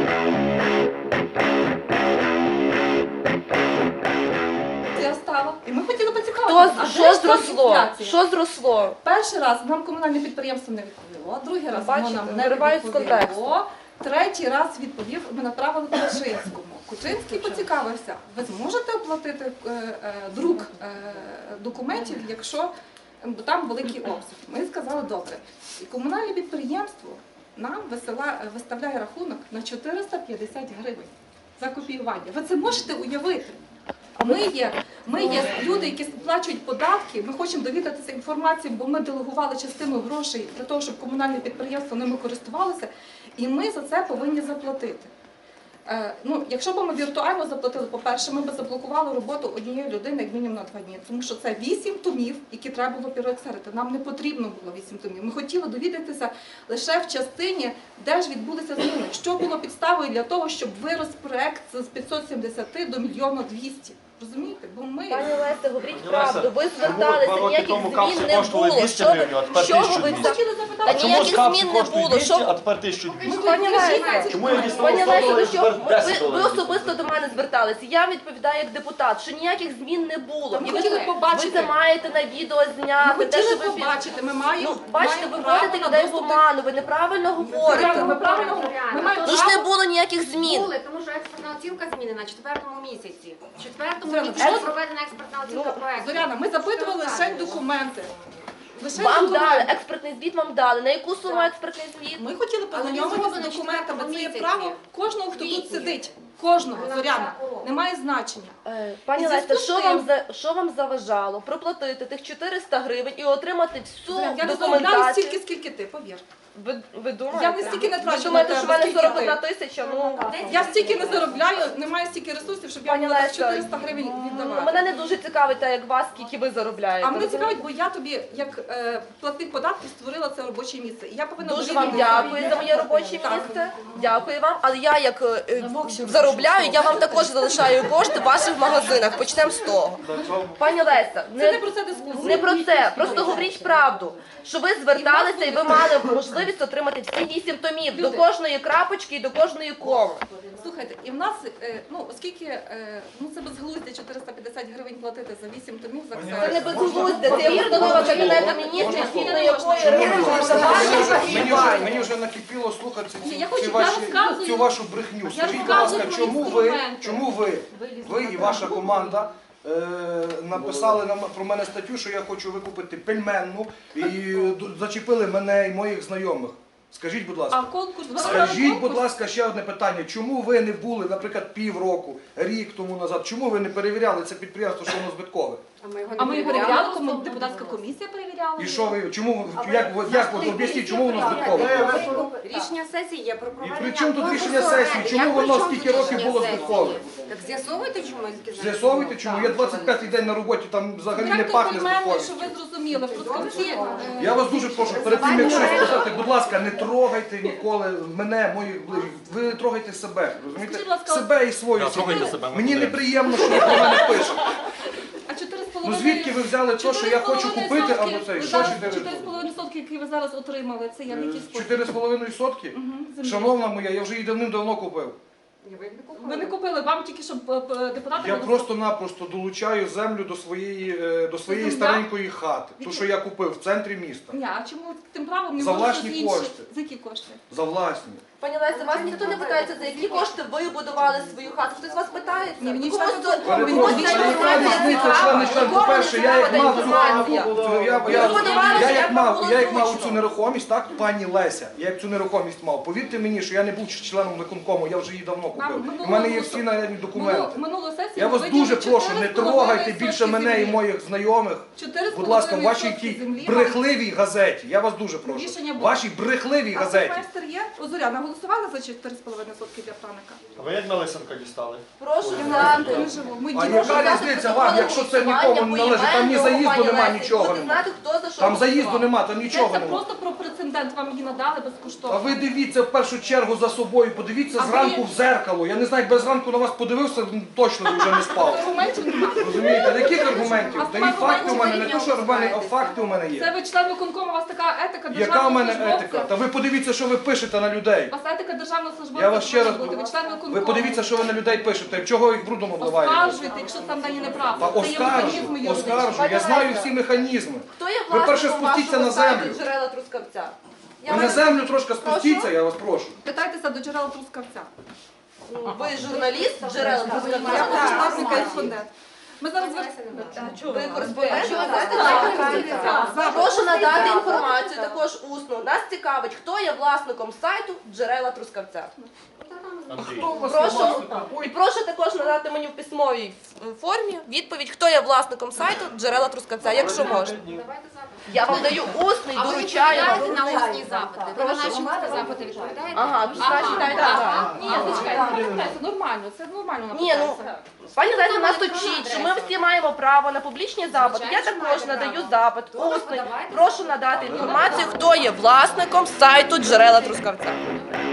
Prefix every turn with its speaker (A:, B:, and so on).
A: Я стала. І ми хотіли поцікавитися,
B: Що зросло? Що зросло?
A: Перший раз нам комунальне підприємство не відповіло, другий раз воно нам не
B: виривають з
A: відповіло,
B: контексту.
A: третій раз відповів, ми направили по Кучинському. Кучинський поцікавився, ви зможете оплатити друк документів, якщо там великий обсяг. Ми сказали, добре. І комунальне підприємство нам виставляє рахунок на 450 гривень за копіювання. Ви це можете уявити? Ми є люди, які сплачують податки, ми хочемо довідатися інформацію, бо ми делегували частину грошей для того, щоб комунальне підприємство ними користувалося, і ми за це повинні заплатити. Якщо б ми віртуально заплатили, по-перше, ми б заблокували роботу однієї людини як мінімум на 2 дні, тому що це 8 томів, які треба було переексерити. Нам не потрібно було 8 томів. Ми хотіли довідатися лише в частині, де ж відбулися зміни, що було підставою для того, щоб вирос проект з 570 до 1 200 000. Розумієте? Бо ми...
B: Пані Леся, говоріть правду, ви зверталися, ніяких змін не було. Що ви
A: хотіли запитати?
B: Та ніяких змін не було.
C: А тепер 1200.
B: Пані Леся,
C: Чому я діставав
B: Пані
C: 100
B: Леся,
C: доларів, тепер 10
B: ви
C: доларів?
B: особисто до мене зверталися. Я відповідаю як депутат, що ніяких змін не було.
A: Ми
B: І
A: хотіли побачити.
B: ви це маєте на відео
A: Ми
B: зняти. те,
A: хотіли
B: що ви
A: побачити, ми маємо
B: бачите, ви
A: право
B: вводите
A: на
B: людей в
A: доступ до-
B: оману, ви неправильно говорите.
A: Ми правильно, ми маємо
B: Тож не
A: право.
B: було ніяких змін.
D: Були, тому що експертна оцінка змінена на 4-му місяці. В 4-му
A: Зоряна,
D: місяці
A: що-
D: проведена експертна оцінка проекту.
A: Зоряна, ми запитували лише документи. Лише
B: Вам
A: документи.
B: дали, експертний звіт вам дали. На яку суму експертний звіт?
A: Ми хотіли познайомитися
D: зроблено
A: з документами. Це є
D: 4
A: право кожного, хто тут
D: Квітні.
A: сидить. Кожного,
D: Вона
A: Зоряна.
D: такого.
A: Немає значення.
B: Пані
A: І
B: Леся,
A: зв'язку з тим-
B: що вам заважало проплатити тих 400 гривень і отримати всю
A: Зоряна, я не заробляю
B: документацію?
A: стільки, скільки ти, повір.
B: Ви думаєте?
A: Я не стільки не трачу
B: Ви думаєте,
A: на
B: що в
A: тебе,
B: мене
A: скільки
B: 41
A: ти.
B: тисяча? Ну,
A: Я стільки не заробляю, немає стільки ресурсів, щоб я
B: Пані
A: могла
B: Леся,
A: 400 гривень віддавати.
B: мене не дуже цікавить, те, як вас, скільки ви заробляєте.
A: А мене
B: розумієте?
A: цікавить, бо я тобі, як платник податків, створила це робоче місце. І я повинна
B: Дуже вам
A: довірити-
B: дякую за моє робоче
A: Так.
B: місце. Дякую вам. Але я як заробляю, я вам також залишаю кошти в ваших магазинах. Почнемо з того. Пані Леся,
A: Це не про це дискусія.
B: не про це. Просто говоріть правду. Що ви зверталися і ви мали можливість отримати всі 8 томів до
A: Люди.
B: кожної крапочки і до кожної коми.
A: Слухайте, і в нас, оскільки це безглуздя 450 гривень платити за 8 томів за
B: Це не безглуздя, це є постанова Кабінету Міністрів, згідно якої
E: Мені вже накипіло слухати
A: Ні, я розказую.
E: цю вашу брехню. Скажіть, будь
A: розказую
E: ласка,
A: про інструменти.
E: чому ви і ваша команда написали про мене статтю, що я хочу викупити пельменну і зачепили мене і моїх знайомих? Скажіть, будь ласка.
A: А конкурс?
E: Скажіть, будь ласка, ще одне питання. Чому ви не були, наприклад, півроку, рік тому назад, чому ви не перевіряли це підприємство, що воно збиткове?
A: А ми перевіряли, депутатська комісія перевіряла.
E: І що ви, чому, як ви об'ясніть, чому воно збиткове?
D: Рішення сесії є про
E: І
D: проведення
E: при чому тут
D: конкурсу
E: рішення сесії?
D: оренди.
E: Чому
D: Як
E: воно
D: при чому
E: скільки
D: тут
E: років
D: рішення
E: було
D: сесії?
E: збиткове?
D: Так з'ясовуйте, чому я сказала.
E: З'ясовуйте, чому? Я 25-й день на роботі, там взагалі не
A: Директор
E: пахне
A: пельменний,
E: збитковістю.
A: щоб ви зрозуміли, в Трускавці.
E: Я вас дуже прошу, перед тим, як щось сказати, будь ласка, не трогайте ніколи мене, моїх ближніх. Ви не трогайте себе, розумієте?
A: Скажіть, будь ласка,
E: Себе і свою
C: трогайте
E: сім'ю.
C: себе, ми
E: Мені
C: будемо.
E: неприємно, що ви про мене пишете.
A: А 4,5...
E: Ну звідки ви взяли те, що я хочу купити, або цей? Що
A: 4,5 сотки, які ви зараз отримали, це я в який спосіб?
E: 4,5 сотки?
A: землі.
E: Шановна моя, я вже її давним-давно купив.
A: Ви не купили, вам тільки, щоб депутати...
E: Я
A: були-
E: просто-напросто долучаю землю до своєї
A: земля?
E: старенької хати. Ту, що я купив в центрі міста.
A: Ні, а чому тим правом не
E: За
A: можна
E: власні
A: щось інше?
E: кошти.
A: За які кошти?
E: За власні.
B: Пані Леся, вас ніхто не питається, за які кошти ви будували свою хату. Хтось з вас питається?
A: Ні, мені
B: Комусь
A: члени
B: то-
A: виконкому,
B: комусь
A: мені
B: ця
A: члени
B: інформація
E: різниця,
B: цікава,
E: члени член,
B: комусь
E: по-перше, я як
B: цікава
E: мав
B: та
E: цю
B: інформація.
E: як мав цю нерухомість, так, пані Леся, я як цю нерухомість мав. Повірте мені, що я не був членом виконкому, я вже її давно купив. У мене є всі належні документи.
A: Минулу сесію
E: Я вас
A: ви
E: дуже
A: виділили
E: прошу, не
A: 4,5
E: трогайте більше
A: сотки
E: мене і
A: землі.
E: моїх знайомих.
A: 4,5
E: Будь ласка, в вашій
A: сотки
E: тій
A: землі
E: брехливій газеті. Я вас дуже прошу.
A: Рішення
E: В
A: було.
E: вашій брехливій
A: А
E: газеті.
A: майстер є? Зоряна, голосували за 4,5 сотки для Франика?
C: А ви як на Лисенка дістали?
B: Прошу
A: Я
B: знати.
A: не живу. Ми
E: А
A: діти.
E: яка різниця вам, якщо це нікому не належить? Там ні заїзду нема, нічого нема. Там заїзду нема, там нічого
A: Це
E: нема.
A: просто про прецедент, вам її надали
E: А
A: безкоштовно.
E: ви дивіться в першу чергу за собою, подивіться
A: А
E: зранку
A: ви-
E: в зеркало. Я не знаю, як без ранку на вас подивився, точно вже не спав.
A: Аргументів немає.
E: Розумієте, яких аргументів?
A: А
E: Та і факти у мене, не то, що
A: аргументів
E: аргументи, а факти у мене
A: Це
E: є.
A: ви член виконкому, у вас така етика
E: Яка
A: державного
E: у мене
A: службовця.
E: етика? Та ви подивіться, що ви пишете на людей.
A: А вас етика державного службовця
E: Я вас ще раз
A: бути, ви член виконкому.
E: ви подивіться, що ви на людей пишете. Чого їх брудом обливаєте?
A: Оскаржуйте, якщо там дані неправда.
E: Та
A: Це є механізм
E: оскаржу.
A: юридичний.
E: Я знаю всі механізми.
B: Хто є
E: Ви перше
B: власником
E: спустіться
B: вашого
E: на
B: сайту
E: землю.
B: джерела Трускавця? Я
E: Ви на
B: вас-
E: землю трошки спустіться, я вас прошу.
A: Питайтеся до джерела Трускавця.
B: Ви журналіст джерела
A: Я
B: Трускавця?
A: повноважний кореспондент. Ми зараз
B: Ви кореспондент?
A: за
B: Прошу надати інформацію також усно. Нас цікавить, хто є власником сайту джерела Трускавця.
C: Андрій.
B: Прошу, і прошу також надати мені в письмовій формі відповідь, хто є власником сайту джерела Трускавця, якщо можна. Я вам даю усний,
D: А ви
B: доручаю вам.
D: відповідаєте на усні запити? Ви на наші усні запити відповідаєте?
B: Ага, значить, дайте знаю.
A: Ні, зачекайте, це нормально, це нормально
B: Ні, ну,
A: написати.
B: пані Леся нас учить, що ми всі маємо право на публічні запити. Я також надаю запит усний. Прошу надати інформацію, хто є власником сайту джерела Трускавця.